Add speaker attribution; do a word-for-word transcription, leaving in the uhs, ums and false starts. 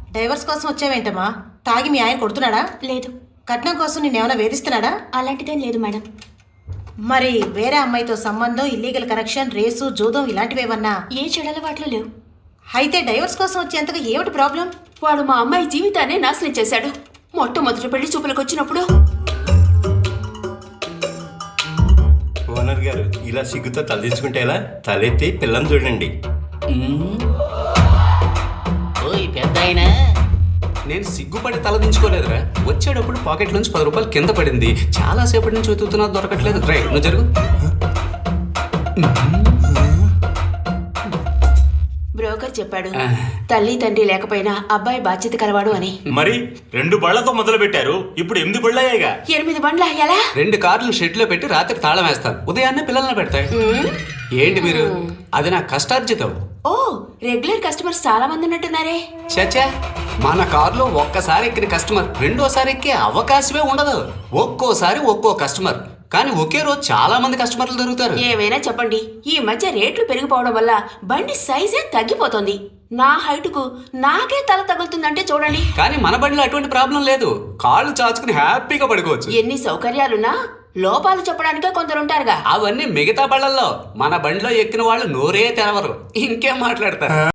Speaker 1: Divorce కోసం వచ్చావేంటమ్మా? తాగి మీ ఆయన కొడుతున్నాడా?
Speaker 2: లేదు.
Speaker 1: కట్నం కోసం నిన్నేమైనా వేధిస్తున్నాడా?
Speaker 2: అలాంటిదేం లేదు మేడం.
Speaker 1: మరి వేరే అమ్మాయితో సంబంధం, ఇల్లీగల్ కనెక్షన్, రేసు, జూదం ఇలాంటివేమన్నా?
Speaker 2: ఏ చెడలవాట్లు లేవు.
Speaker 1: అయితే డైవర్స్ కోసం వచ్చేంతగా ఏమిటి ప్రాబ్లం?
Speaker 2: వాడు మా అమ్మాయి జీవితాన్ని నాశనం చేశాడు. మొట్టమొదటి పెళ్లి చూపులకు వచ్చినప్పుడు
Speaker 3: ఓనర్ గారు ఇలా సిగ్గుతో తలదించుకుంటే ఎలా? తలెత్తి పిల్లని చూడండి.
Speaker 4: ఓయ్ పెద్ద ఆయన,
Speaker 5: నేను సిగ్గుపడి తలదించుకోలేదురా. వచ్చేటప్పుడు పాకెట్ నుంచి పది రూపాయలు కింద పడింది. చాలా సేపటి నుంచి వెతుకుతున్నా దొరకట్లేదు. రైట్, నువ్వు జరుగు.
Speaker 2: బ్రోకర్ చెప్పాడు తల్లి తండ్రి లేకపోయినా అబ్బాయి బాధ్యత కలవాడు అని.
Speaker 6: మరి రెండు బళ్లతో మొదలు పెట్టారు, ఇప్పుడు ఎనిమిది బళ్ళయ్యాయిగా.
Speaker 2: ఎనిమిది బండ్ల ఎలా?
Speaker 5: రెండు కార్లు షెడ్ లో పెట్టి రాత్రి తాళం వేస్తాను, ఉదయాన్నే పిల్లల్ని పెడతాయి. ఏంటి మీరు? అది నా కష్టార్జితం.
Speaker 2: ఓ, రెగ్యులర్ కస్టమర్స్ చాలా మంది ఉన్నట్టున్నారే.
Speaker 5: చచ్చా, మన కారులో ఒక్కసారి ఎక్కిన కస్టమర్ రెండోసారి ఎక్కే అవకాశమే ఉండదు. ఒక్కోసారి ఒక్కో కస్టమర్, కానీ ఒకే రోజు చాలా మంది కస్టమర్లు దొరుకుతారు.
Speaker 2: ఏమైనా చెప్పండి, ఈ మధ్య రేట్లు పెరిగిపోవడం వల్ల బండి సైజే తగ్గిపోతుంది. నా హైట్ కు నాకే తల తగులుతుందంటే చూడండి.
Speaker 5: కానీ మన బండిలో అటువంటి ప్రాబ్లం లేదు. కాళ్ళు చాచుకుని హ్యాపీగా పడుకోవచ్చు.
Speaker 2: ఎన్ని సౌకర్యాలున్నా లోపాలు చెప్పడానికే కొందరుంటారుగా.
Speaker 5: అవన్నీ మిగతా బళ్ళల్లో. మన బండిలో ఎక్కిన వాళ్ళు నోరే తెరవరు, ఇంకేం మాట్లాడతారు.